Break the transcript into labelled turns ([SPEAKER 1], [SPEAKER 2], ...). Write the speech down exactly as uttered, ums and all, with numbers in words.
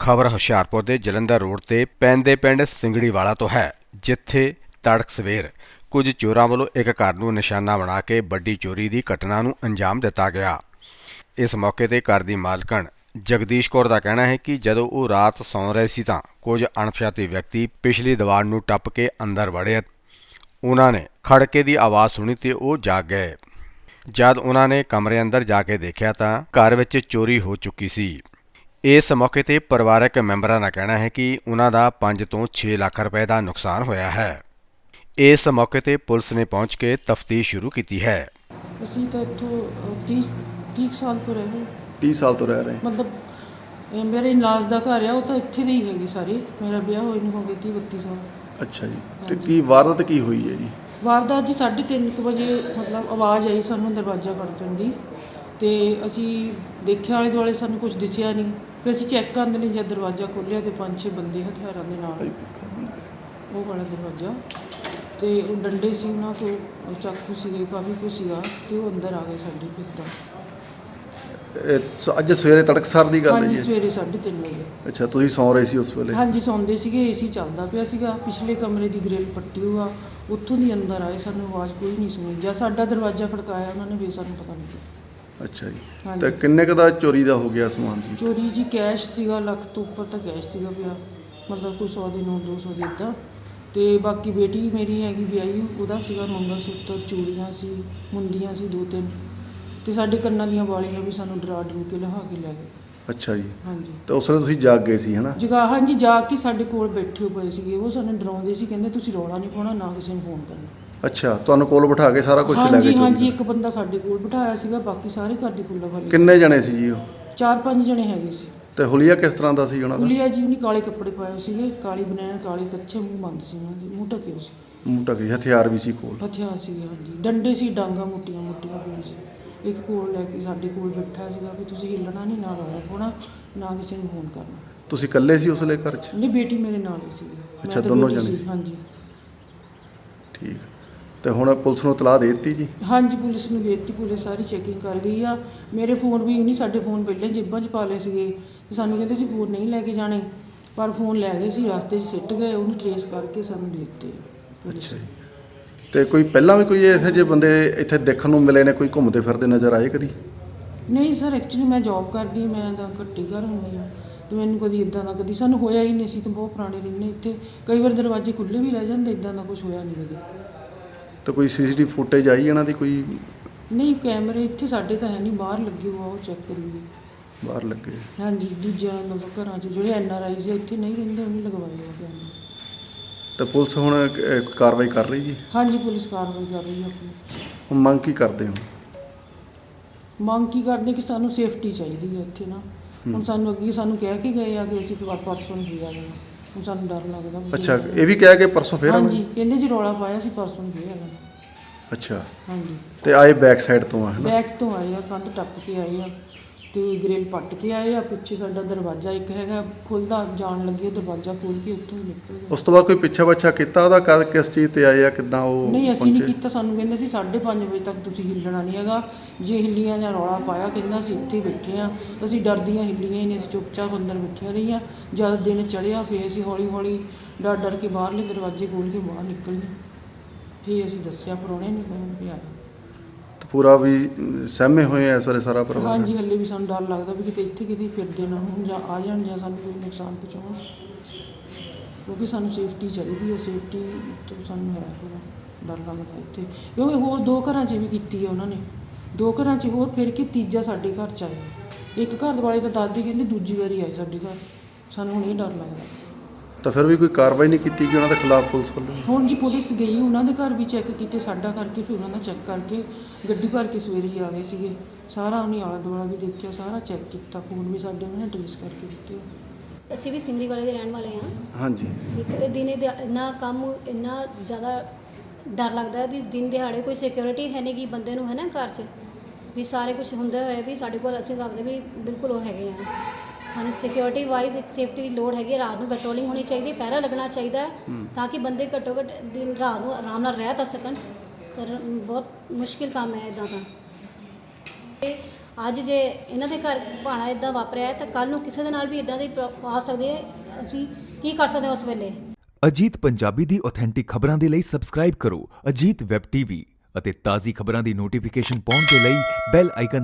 [SPEAKER 1] ਖਬਰ ਹੁਸ਼ਿਆਰਪੁਰ ਦੇ ਜਲੰਧਰ ਰੋਡ ਤੇ ਪੈਂਦੇ ਪਿੰਡ ਸਿੰਗੜੀਵਾਲਾ ਤੋਂ ਹੈ, ਜਿੱਥੇ ਤੜਕ ਸਵੇਰ ਕੁਝ ਚੋਰਾਂ ਵੱਲੋਂ ਇੱਕ ਘਰ ਨੂੰ ਨਿਸ਼ਾਨਾ ਬਣਾ ਕੇ ਵੱਡੀ ਚੋਰੀ ਦੀ ਘਟਨਾ ਨੂੰ ਅੰਜਾਮ ਦਿੱਤਾ ਗਿਆ। ਇਸ ਮੌਕੇ ਤੇ ਘਰ ਦੀ ਮਾਲਕਣ ਜਗਦੀਸ਼ ਕੌਰ ਦਾ ਕਹਿਣਾ ਹੈ ਕਿ ਜਦੋਂ ਉਹ ਰਾਤ ਸੌਂ ਰਹੇ ਸੀ ਤਾਂ ਕੁਝ ਅਣਪਛਾਤੇ ਵਿਅਕਤੀ ਪਿਛਲੀ ਦੀਵਾਰ ਨੂੰ ਟੱਪ ਕੇ ਅੰਦਰ ਵੜੇ। ਉਹਨਾਂ ਨੇ ਖੜਕੇ ਦੀ ਆਵਾਜ਼ ਸੁਣੀ ਤੇ ਉਹ ਜਾਗ ਗਏ। ਜਦ ਉਹਨਾਂ ਨੇ ਕਮਰੇ ਅੰਦਰ ਜਾ ਕੇ ਦੇਖਿਆ ਤਾਂ ਘਰ ਵਿੱਚ ਚੋਰੀ ਹੋ ਚੁੱਕੀ ਸੀ। ਇਸ ਮੌਕੇ ਤੇ ਪਰਿਵਾਰਕ ਮੈਂਬਰਾਂ ਦਾ ਕਹਿਣਾ ਹੈ ਕਿ ਉਹਨਾਂ ਦਾ ਪੰਜ ਤੋਂ ਛੇ ਲੱਖ ਰੁਪਏ ਦਾ ਨੁਕਸਾਨ ਹੋਇਆ ਹੈ। ਇਸ ਮੌਕੇ ਤੇ ਪੁਲਿਸ ਨੇ ਪਹੁੰਚ ਕੇ ਤਫਤੀਸ਼ ਸ਼ੁਰੂ ਕੀਤੀ ਹੈ।
[SPEAKER 2] ਅਸੀਂ ਤਾਂ ਇੱਥੋਂ ਤੀਹ ਸਾਲ ਤੋਂ ਰਹੇ
[SPEAKER 3] ਤੀਹ ਸਾਲ ਤੋਂ ਰਹਿ ਰਹੇ
[SPEAKER 2] ਮਤਲਬ ਇਹ ਮੇਰੇ ਇਨਲਾਜ ਦਾ ਘਰ ਆ, ਉਹ ਤਾਂ ਇੱਥੇ ਦੇ ਹੀ ਹੈਗੇ ਸਾਰੇ। ਮੇਰਾ ਵਿਆਹ ਹੋਏ ਨੂੰ ਹੋ ਗਏ ਤੀਹ ਬੱਤੀ ਸਾਲ।
[SPEAKER 3] ਅੱਛਾ ਜੀ, ਤੇ ਕੀ ਵਾਰਦਾਤ ਕੀ ਹੋਈ ਹੈ ਜੀ?
[SPEAKER 2] ਵਾਰਦਾਤ ਜੀ ਸਾਢੇ ਤਿੰਨ ਕੁ ਵਜੇ ਮਤਲਬ ਆਵਾਜ਼ ਆਈ ਸਾਨੂੰ ਦਰਵਾਜ਼ਾ ਖੜਕਣ ਦੀ, ਤੇ ਅਸੀਂ ਦੇਖਿਆ ਆਲੇ ਦੁਆਲੇ, ਸਾਨੂੰ ਕੁਝ ਦਿਸਿਆ ਨਹੀਂ। ਫਿਰ ਅਸੀਂ ਚੈੱਕ ਕਰਨ ਲਈ ਜਦ ਦਰਵਾਜ਼ਾ ਖੋਲ੍ਹਿਆ ਤੇ ਪੰਜ ਛੇ ਬੰਦੇ ਹਥਿਆਰਾਂ ਦੇ ਨਾਲ, ਉਹ ਵਾਲਾ ਦਰਵਾਜ਼ਾ, ਤੇ ਉਹ ਡੰਡੇ ਸੀ ਉਹਨਾਂ ਕੋਲ, ਚਾਕੂ ਸੀਗੇ, ਕਾਫੀ ਕੁਛ ਸੀਗਾ, ਤੇ ਉਹ ਅੰਦਰ ਆ ਗਏ ਸਾਡੇ ਇੱਕਦਮ।
[SPEAKER 3] ਇਹ ਅੱਜ ਸਵੇਰੇ ਤੜਕਸਾਰ ਦੀ ਗੱਲ ਹੈ
[SPEAKER 2] ਹਾਂਜੀ,
[SPEAKER 3] ਜੀ?
[SPEAKER 2] ਸਵੇਰੇ ਸਾਢੇ ਤਿੰਨ ਵਜੇ।
[SPEAKER 3] ਅੱਛਾ, ਤੁਸੀਂ ਸੌਂ ਰਹੇ ਸੀ ਉਸ ਵੇਲੇ?
[SPEAKER 2] ਹਾਂਜੀ, ਸੌਂਦੇ ਸੀਗੇ, ਏਸੀ ਚੱਲਦਾ ਪਿਆ ਸੀਗਾ, ਪਿਛਲੇ ਕਮਰੇ ਦੀ ਗ੍ਰਿਲ ਪੱਟੀ ਹੋਆ, ਉੱਥੋਂ ਦੀ ਅੰਦਰ ਆਏ, ਸਾਨੂੰ ਆਵਾਜ਼ ਕੋਈ ਨਹੀਂ ਸੁਣੀ। ਜਾਂ ਸਾਡਾ ਦਰਵਾਜ਼ਾ ਖੜਕਾਇਆ ਉਹਨਾਂ ਨੇ, ਵੀ ਸਾਨੂੰ ਪਤਾ ਨਹੀਂ ਕੀਤਾ।
[SPEAKER 3] ਅੱਛਾ ਜੀ,
[SPEAKER 2] ਹਾਂਜੀ।
[SPEAKER 3] ਤੇ ਕਿੰਨੇ ਕੁ ਦਾ ਚੋਰੀ ਦਾ ਹੋ ਗਿਆ ਸਮਾਨ ਜੀ?
[SPEAKER 2] ਚੋਰੀ ਜੀ ਕੈਸ਼ ਸੀਗਾ, ਲੱਖ ਤੋਂ ਉੱਪਰ ਤਾਂ ਕੈਸ਼ ਸੀਗਾ ਪਿਆ, ਮਤਲਬ ਕੋਈ ਸੌ ਦੇ ਨੋਟ, ਦੋ ਸੌ ਦੇ ਇੱਦਾਂ। ਅਤੇ ਬਾਕੀ ਬੇਟੀ ਮੇਰੀ ਹੈਗੀ ਵਿਆਹੀ, ਉਹਦਾ ਸੀਗਾ ਮੰਗਲ ਸੂਤਰ, ਚੂੜੀਆਂ ਸੀ, ਮੁੰਦੀਆਂ ਸੀ ਦੋ ਤਿੰਨ, ਅਤੇ ਸਾਡੇ ਕੰਨਾਂ ਦੀਆਂ ਵਾਲੀਆਂ ਵੀ ਸਾਨੂੰ ਡਰਾ ਡਰੂ ਕੇ ਲਿਆ ਕੇ ਲੈ ਗਏ।
[SPEAKER 3] ਅੱਛਾ ਜੀ।
[SPEAKER 2] ਹਾਂਜੀ।
[SPEAKER 3] ਤੇ ਉਸ ਵੇਲੇ ਤੁਸੀਂ ਜਾਗ ਗਏ ਸੀ ਹੈ ਨਾ?
[SPEAKER 2] ਜਗਾ ਹਾਂਜੀ, ਜਾ ਕੇ ਸਾਡੇ ਕੋਲ ਬੈਠੇ ਪਏ ਸੀਗੇ, ਉਹ ਸਾਨੂੰ ਡਰਾਉਂਦੇ ਸੀ, ਕਹਿੰਦੇ ਤੁਸੀਂ ਰੌਲਾ ਨਹੀਂ ਪਾਉਣਾ, ਨਾ ਕਿਸੇ ਨੂੰ ਫੋਨ ਕਰਨਾ।
[SPEAKER 3] ਅੱਛਾ, ਤੁਹਾਨੂੰ ਕੋਲ ਬਿਠਾ ਕੇ ਸਾਰਾ ਕੁਝ ਲੈ ਗਏ?
[SPEAKER 2] ਹਾਂਜੀ ਹਾਂਜੀ, ਇੱਕ ਬੰਦਾ ਸਾਡੇ ਕੋਲ ਬਿਠਾਇਆ ਸੀਗਾ, ਬਾਕੀ ਸਾਰੇ ਘਰ ਦੀ ਕੁੱਲਾ ਵਾਲੀ।
[SPEAKER 3] ਕਿੰਨੇ ਜਣੇ ਸੀ ਜੀ ਉਹ?
[SPEAKER 2] ਚਾਰ ਪੰਜ ਜਣੇ ਹੈਗੇ ਸੀ।
[SPEAKER 3] ਤੇ ਹੁਲੀਆ ਕਿਸ ਤਰ੍ਹਾਂ ਦਾ ਸੀ ਉਹਨਾਂ ਦਾ?
[SPEAKER 2] ਹੁਲੀਆ ਜੀ ਉਹਨੇ ਕਾਲੇ ਕੱਪੜੇ ਪਾਏ ਸੀਗੇ, ਕਾਲੀ ਬਨੈਣ, ਕਾਲੇ ਕੱਛੇ, ਮੂੰਹ ਬੰਦ ਸੀ ਉਹਨਾਂ ਦੇ, ਮੂੰਹ ਢਕੇ ਸੀ।
[SPEAKER 3] ਮੂੰਹ ਢਕੇ, ਹਥਿਆਰ ਵੀ ਸੀ ਕੋਲ?
[SPEAKER 2] ਹਥਿਆਰ ਸੀਗੇ ਹਾਂਜੀ, ਡੰਡੇ ਸੀ, ਡਾਂਗਾ ਮੋਟੀਆਂ ਮੋਟੀਆਂ ਕੋਲ ਸੀ। ਇੱਕ ਕੋਲ ਲੈ ਕੇ ਸਾਡੇ ਕੋਲ ਬੈਠਾ ਸੀਗਾ ਵੀ ਤੁਸੀਂ ਹਿੱਲਣਾ ਨਹੀਂ, ਨਾ ਰੌਲਾ ਪਾਉਣਾ, ਨਾ ਕਿਸੇ ਨੂੰ ਫੋਨ ਕਰਨਾ।
[SPEAKER 3] ਤੁਸੀਂ ਇਕੱਲੇ ਸੀ ਉਸ ਵੇਲੇ ਘਰ 'ਚ?
[SPEAKER 2] ਨਹੀਂ, ਬੇਟੀ ਮੇਰੇ ਨਾਲ ਹੀ ਸੀਗੀ।
[SPEAKER 3] ਅੱਛਾ, ਦੋਨੋਂ ਜਣੇ ਸੀ?
[SPEAKER 2] ਹਾਂਜੀ।
[SPEAKER 3] ਠੀਕ। ਤੇ ਹੁਣ ਪੁਲਿਸ ਨੂੰ ਇਤਲਾਹ ਦੇ ਦਿੱਤੀ ਜੀ?
[SPEAKER 2] ਹਾਂਜੀ, ਪੁਲਿਸ ਨੂੰ ਦੇ ਦਿੱਤੀ, ਪੁਲਿਸ ਸਾਰੀ ਚੈਕਿੰਗ ਕਰ ਗਈ ਆ। ਮੇਰੇ ਫੋਨ ਵੀ ਨਹੀਂ, ਸਾਡੇ ਫੋਨ ਪਹਿਲਾਂ ਜੇਬਾਂ 'ਚ ਪਾ ਲਏ ਸੀਗੇ, ਤੇ ਸਾਨੂੰ ਕਹਿੰਦੇ ਸੀ ਫੋਨ ਨਹੀਂ ਲੈ ਕੇ ਜਾਣੇ, ਪਰ ਫੋਨ ਲੈ ਗਏ ਸੀ, ਰਸਤੇ 'ਚ ਸਿੱਟ ਗਏ, ਉਹਨੂੰ ਟਰੇਸ ਕਰਕੇ ਸਾਨੂੰ ਦੇ ਦਿੱਤੇ ਪੁਲਿਸ।
[SPEAKER 3] ਅੱਛਾ ਜੀ। ਤੇ ਕੋਈ ਪਹਿਲਾਂ ਵੀ ਕੋਈ ਇਹੋ ਜਿਹੇ ਬੰਦੇ ਇੱਥੇ ਦੇਖਣ ਨੂੰ ਮਿਲੇ ਨੇ, ਕੋਈ ਘੁੰਮਦੇ ਫਿਰਦੇ ਨਜ਼ਰ ਆਏ ਕਦੀ?
[SPEAKER 2] ਨਹੀਂ ਸਰ, ਐਕਚੁਅਲੀ ਮੈਂ ਜੋਬ ਕਰਦੀ, ਮੈਂ ਤਾਂ ਘੱਟੀ ਘਰ ਹੁੰਦੀ ਹਾਂ, ਅਤੇ ਮੈਨੂੰ ਕਦੀ ਇੱਦਾਂ ਦਾ ਕਦੀ ਸਾਨੂੰ ਹੋਇਆ ਹੀ ਨਹੀਂ ਸੀ। ਤਾਂ ਬਹੁਤ ਪੁਰਾਣੇ ਰਹਿੰਦੇ ਇੱਥੇ, ਕਈ ਵਾਰ ਦਰਵਾਜ਼ੇ ਖੁੱਲ੍ਹੇ ਵੀ ਰਹਿ ਜਾਂਦੇ, ਇੱਦਾਂ ਦਾ ਕੁਛ ਹੋਇਆ ਨਹੀਂ ਕਦੇ।
[SPEAKER 3] ਤਾਂ ਕੋਈ ਸੀ ਸੀ ਟੀ ਵੀ ਫੁਟੇਜ ਆਈ ਇਹਨਾਂ ਦੀ ਕੋਈ?
[SPEAKER 2] ਨਹੀਂ, ਕੈਮਰੇ ਇੱਥੇ ਸਾਡੇ ਤਾਂ ਹੈ ਨਹੀਂ, ਬਾਹਰ ਲੱਗੇ ਹੋਆ, ਉਹ ਚੈੱਕ ਕਰੂਗੇ।
[SPEAKER 3] ਬਾਹਰ ਲੱਗੇ?
[SPEAKER 2] ਹਾਂਜੀ, ਦੂਜਿਆਂ ਮਤਲਬ ਘਰਾਂ 'ਚ ਜਿਹੜੇ ਐਨ ਆਰ ਆਈ ਸੀ ਇੱਥੇ ਨਹੀਂ ਰਹਿੰਦੇ, ਉਹਨੇ ਲਗਵਾਏ ਹੋ ਕੈਮਰੇ।
[SPEAKER 3] ਤਾਂ ਪੁਲਿਸ ਹੁਣ ਅਹ, ਕਾਰਵਾਈ ਕਰ ਰਹੀ ਜੀ?
[SPEAKER 2] ਹਾਂਜੀ, ਪੁਲਿਸ ਕਾਰਵਾਈ ਕਰ ਰਹੀ ਹੈ ਆਪਣੀ।
[SPEAKER 3] ਹੁਣ ਮੰਗ ਕੀ ਕਰਦੇ ਹੋ?
[SPEAKER 2] ਮੰਗ ਕੀ ਕਰਦੇ ਕਿ ਸਾਨੂੰ ਸੇਫਟੀ ਚਾਹੀਦੀ ਹੈ ਇੱਥੇ ਨਾ। ਹੁਣ ਸਾਨੂੰ ਅੱਗੇ ਸਾਨੂੰ ਕਹਿ ਕੇ ਗਏ ਆ ਕਿ ਅਸੀਂ ਪਰ- ਪਰਸੋਂ ਨਹੀਂ ਆ ਜਾਣਾ, ਹੁਣ ਸਾਨੂੰ ਡਰ ਲੱਗਦਾ ਵੀ।
[SPEAKER 3] ਅੱਛਾ, ਇਹ ਵੀ ਕਹਿ ਕੇ ਪਰਸੋਂ ਫੇਰ ਆਵਾਂਗੇ?
[SPEAKER 2] ਹਾਂਜੀ, ਕਹਿੰਦੇ ਜੀ ਰੌਲਾ ਪਾਇਆ ਸੀ, ਪਰਸੋਂ ਨਹੀਂ ਫੇਰ ਆ ਜਾਣਾ।
[SPEAKER 3] ਅੱਛਾ।
[SPEAKER 2] ਹਾਂਜੀ।
[SPEAKER 3] ਤੇ ਆਏ ਬੈਕ ਸਾਈਡ ਤੋਂ ਆ ਹੈ ਨਾ?
[SPEAKER 2] ਬੈਕ ਤੋਂ ਆਏ ਆ, ਕੰਧ ਟੱਪ ਕੇ ਆਏ ਆ, ਅਤੇ ਗ੍ਰਿਲ ਪੱਟ ਕੇ ਆਏ ਆ। ਪਿੱਛੇ ਸਾਡਾ ਦਰਵਾਜ਼ਾ ਇੱਕ ਹੈਗਾ ਖੁੱਲ੍ਹਦਾ, ਜਾਣ ਲੱਗੇ ਦਰਵਾਜ਼ਾ ਖੋਲ੍ਹ ਕੇ ਉੱਥੋਂ ਹੀ ਨਿਕਲ ਗਏ।
[SPEAKER 3] ਉਸ ਤੋਂ ਬਾਅਦ ਕੋਈ ਪਿੱਛਾ ਬੱਛਾ ਕੀਤਾ ਉਹਦਾ? ਕਦ ਕਿਸ ਚੀਜ਼ ਤੇ ਆਏ ਆ, ਕਿੱਦਾਂ ਉਹ
[SPEAKER 2] ਨਹੀਂ, ਅਸੀਂ ਨਹੀਂ
[SPEAKER 3] ਪਹੁੰਚੇ?
[SPEAKER 2] ਕੀਤਾ, ਸਾਨੂੰ ਕਹਿੰਦੇ ਸੀ ਸਾਢੇ ਪੰਜ ਵਜੇ ਤੱਕ ਤੁਸੀਂ ਹਿੱਲਣਾ ਨਹੀਂ ਹੈਗਾ, ਜੇ ਹਿੱਲੀਆਂ ਜਾਂ ਰੌਲਾ ਪਾਇਆ, ਕਹਿੰਦਾ ਅਸੀਂ ਇੱਥੇ ਬੈਠੇ ਹਾਂ। ਅਸੀਂ ਡਰਦੀਆਂ ਹਿੱਲੀਆਂ ਹੀ ਨਹੀਂ, ਅਸੀਂ ਚੁੱਪਚਾਪ ਅੰਦਰ ਬੈਠੀਆਂ ਰਹੀਆਂ। ਜਦ ਦਿਨ ਚੜ੍ਹਿਆ ਫਿਰ ਅਸੀਂ ਹੌਲੀ ਹੌਲੀ ਡਰ ਡਰ ਕੇ ਬਾਹਰਲੇ ਦਰਵਾਜ਼ੇ ਖੋਲ੍ਹ ਕੇ ਬਾਹਰ ਨਿਕਲੀਆਂ। ਫਿਰ ਅਸੀਂ ਦੱਸਿਆ ਪ੍ਰਾਹੁਣੇ ਨੂੰ, ਵੀ ਆਇਆ।
[SPEAKER 3] ਪੂਰਾ ਵੀ ਅਮ, ਸਹਿਮੇ ਹੋਏ ਆ ਸਾਰੇ ਸਾਰਾ ਪਰਿਵਾਰ?
[SPEAKER 2] ਹਾਂਜੀ, ਹਲੇ ਵੀ ਸਾਨੂੰ ਡਰ ਲੱਗਦਾ ਵੀ ਕਿਤੇ ਇੱਥੇ ਕਿਤੇ ਫਿਰਦੇ ਨਾ ਹੋਣ, ਜਾਂ ਆ ਜਾਣ, ਜਾਂ ਸਾਨੂੰ ਕੋਈ ਨੁਕਸਾਨ ਪਹੁੰਚਾਉਣ, ਕਿਉਂਕਿ ਸਾਨੂੰ ਸੇਫਟੀ ਚਾਹੀਦੀ ਹੈ। ਸੇਫਟੀ ਤੋਂ ਸਾਨੂੰ ਹੈ ਥੋੜ੍ਹਾ ਡਰ ਲੱਗਦਾ ਇੱਥੇ, ਕਿਉਂਕਿ ਹੋਰ ਦੋ ਘਰਾਂ 'ਚ ਵੀ ਕੀਤੀ ਹੈ ਉਹਨਾਂ ਨੇ, ਦੋ ਘਰਾਂ 'ਚ ਹੋਰ ਫਿਰ ਕੇ ਤੀਜਾ ਸਾਡੇ ਘਰ 'ਚ ਆਇਆ। ਇੱਕ ਘਰ ਵਾਲੇ ਤਾਂ ਦਾਦੀ ਕਹਿੰਦੇ ਦੂਜੀ ਵਾਰੀ ਆਏ ਸਾਡੇ ਘਰ, ਸਾਨੂੰ ਹੁਣ ਇਹ ਡਰ ਲੱਗਦਾ।
[SPEAKER 3] ਤਾਂ ਫਿਰ ਵੀ ਕੋਈ ਕਾਰਵਾਈ ਨਹੀਂ ਕੀਤੀ ਕਿ ਉਹਨਾਂ ਦੇ ਖਿਲਾਫ ਪੁਲਿਸ ਵੱਲੋਂ?
[SPEAKER 2] ਹੁਣ ਜੀ ਪੁਲਿਸ ਗਈ, ਉਹਨਾਂ ਦੇ ਘਰ ਵੀ ਚੈੱਕ ਕੀਤੇ, ਸਾਡਾ ਕਰਕੇ, ਫਿਰ ਉਹਨਾਂ ਦਾ ਚੈੱਕ ਕਰਕੇ ਗੱਡੀ ਭਰ ਕੇ ਸਵੇਰੇ ਹੀ ਆ ਗਏ ਸੀਗੇ। ਸਾਰਾ ਉਹਨੇ ਆਲਾ ਦੁਆਲਾ ਵੀ ਦੇਖਿਆ, ਸਾਰਾ ਚੈੱਕ ਕੀਤਾ, ਫੋਨ ਵੀ ਸਾਡੇ ਉਹਨਾਂ ਨੇ ਟਰੇਸ ਕਰਕੇ ਦਿੱਤੇ।
[SPEAKER 4] ਅਸੀਂ ਵੀ ਸਿੰਗੜੀ ਵਾਲੇ ਦੇ ਰਹਿਣ ਵਾਲੇ ਹਾਂ।
[SPEAKER 3] ਹਾਂਜੀ।
[SPEAKER 4] ਇੱਕ ਦਿਨੇ ਦਿਹਾ ਇੰਨਾ ਕੰਮ, ਇੰਨਾ ਜ਼ਿਆਦਾ ਡਰ ਲੱਗਦਾ ਹੈ ਵੀ ਦਿਨ ਦਿਹਾੜੇ ਕੋਈ ਸਿਕਿਉਰਿਟੀ ਹੈ ਨਹੀਂ ਕਿ ਬੰਦੇ ਨੂੰ ਹੈ ਨਾ ਘਰ 'ਚ, ਵੀ ਸਾਰੇ ਕੁਝ ਹੁੰਦੇ ਹੋਏ ਵੀ ਸਾਡੇ ਕੋਲ ਅਸੀਂ ਲੱਗਦੇ ਵੀ ਬਿਲਕੁਲ ਉਹ ਹੈਗੇ ਆ। ਸਾਨੂੰ ਸਿਕਿਉਰਿਟੀ ਵਾਈਜ਼ ਇੱਕ ਸੇਫਟੀ ਦੀ ਲੋੜ ਹੈਗੀ, ਰਾਤ ਨੂੰ ਪੈਟਰੋਲਿੰਗ ਹੋਣੀ ਚਾਹੀਦੀ, ਪਹਿਰਾ ਲੱਗਣਾ ਚਾਹੀਦਾ ਹੈ, ਤਾਂ ਕਿ ਬੰਦੇ ਘੱਟੋ ਘੱਟ ਦਿਨ ਰਾਤ ਨੂੰ ਆਰਾਮ ਨਾਲ ਰਹਿ ਤਾਂ ਸਕਣ। ਪਰ ਬਹੁਤ ਮੁਸ਼ਕਿਲ ਕੰਮ ਹੈ ਇੱਦਾਂ ਦਾ। ਤੇ ਅੱਜ ਜੇ ਇਹਨਾਂ ਦੇ ਘਰ ਭਾਣਾ ਇਦਾਂ ਵਾਪਰਿਆ ਹੈ ਤਾਂ ਕੱਲ ਨੂੰ ਕਿਸੇ ਦੇ ਨਾਲ ਵੀ ਇਦਾਂ ਦੀ ਪ੍ਰੋ- ਆ ਸਕਦੇ ਹੈ। ਅਸੀਂ ਕੀ ਕਰ ਸਕਦੇ ਹਾਂ ਉਸ ਵੇਲੇ।
[SPEAKER 5] ਅਜੀਤ ਪੰਜਾਬੀ ਦੀ ਆਥੈਂਟਿਕ ਖਬਰਾਂ ਦੇ ਲਈ ਸਬਸਕ੍ਰਾਈਬ ਕਰੋ ਅਜੀਤ ਵੈਬ ਟੀਵੀ ਅਤੇ ਤਾਜ਼ੀ ਖਬਰਾਂ ਦੀ ਨੋਟੀਫਿਕੇਸ਼ਨ ਪਾਉਣ ਦੇ ਲਈ ਬੈਲ ਆਈਕਨ